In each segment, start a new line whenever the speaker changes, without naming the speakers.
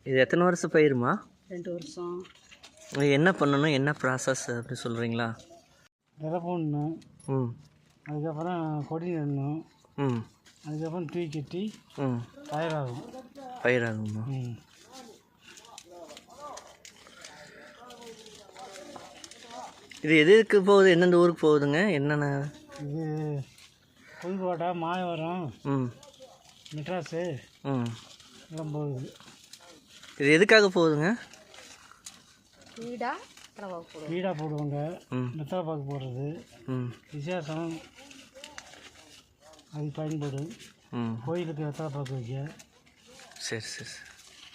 இது எத்தனை வருஷம் பயிருமா?
2 வருஷம்.
என்ன பண்ணணும், என்ன ப்ராசஸ் அப்படி சொல்கிறீங்களா?
விதை போடணும்.
ம்.
அதுக்கப்புறம் கொடி நடணும்.
ம்.
அதுக்கப்புறம் தூக்கி கட்டி பயிராகும்.
பயிராகுமா?
ம்.
இது எதுக்கு போகுது, எந்தெந்த ஊருக்கு போகுதுங்க, என்னென்ன?
இது புதுக்கோட்டை, மாயவரம், மெட்ராஸு எல்லாம் போகுது.
இது எதுக்காக போகுதுங்க?
வீடாக போடுவாங்க, வெத்தலை பாக்கு போடுறது, விசேஷம் அது பயன்படும். கோயிலுக்கு வெத்தலை பாக்கு வைக்க.
சரி சரி சரி.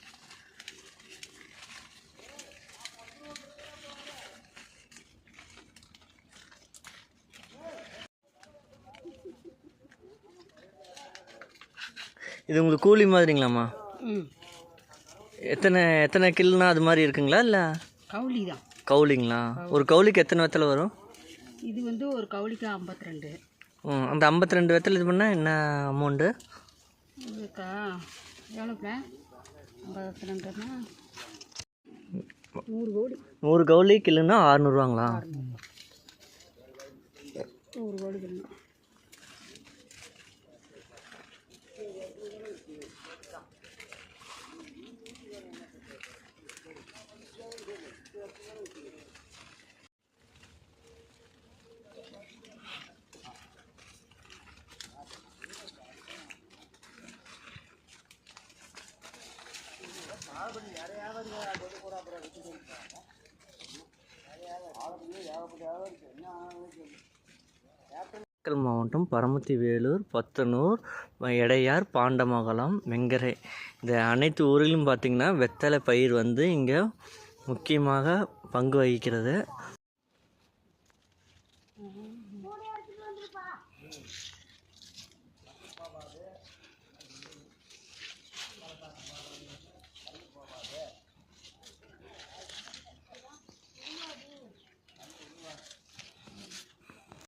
இது உங்களுக்கு கூலி மாதிரிங்களாம்மா? எத்தனை எத்தனை கில்னா அது மாதிரி இருக்குங்களா, இல்லை
கவுளி தான்?
கவுளிங்களா? ஒரு கவுளிக்கு எத்தனை வெத்தலை வரும்?
இது வந்து ஒரு கவுளிக்கு 52.
அந்த 52 வெத்தலை இது பண்ணால் என்ன அமௌண்ட்டு?
இதுக்கா எவ்வளோப்பா? 52னா 100 கவுளி.
100 கவுளி கில்லுன்னா 600ரூவாங்களா?
100 கவுளி கிலோ.
நாமக்கல் மாவட்டம் பரமத்தி வேலூர், பத்தனூர், எடையார், பாண்டமங்கலம், வெங்கரை இந்த அனைத்து ஊரிலும் பார்த்திங்கன்னா வெத்தலை பயிர் வந்து இங்கே முக்கியமாக பங்கு வகிக்கிறது.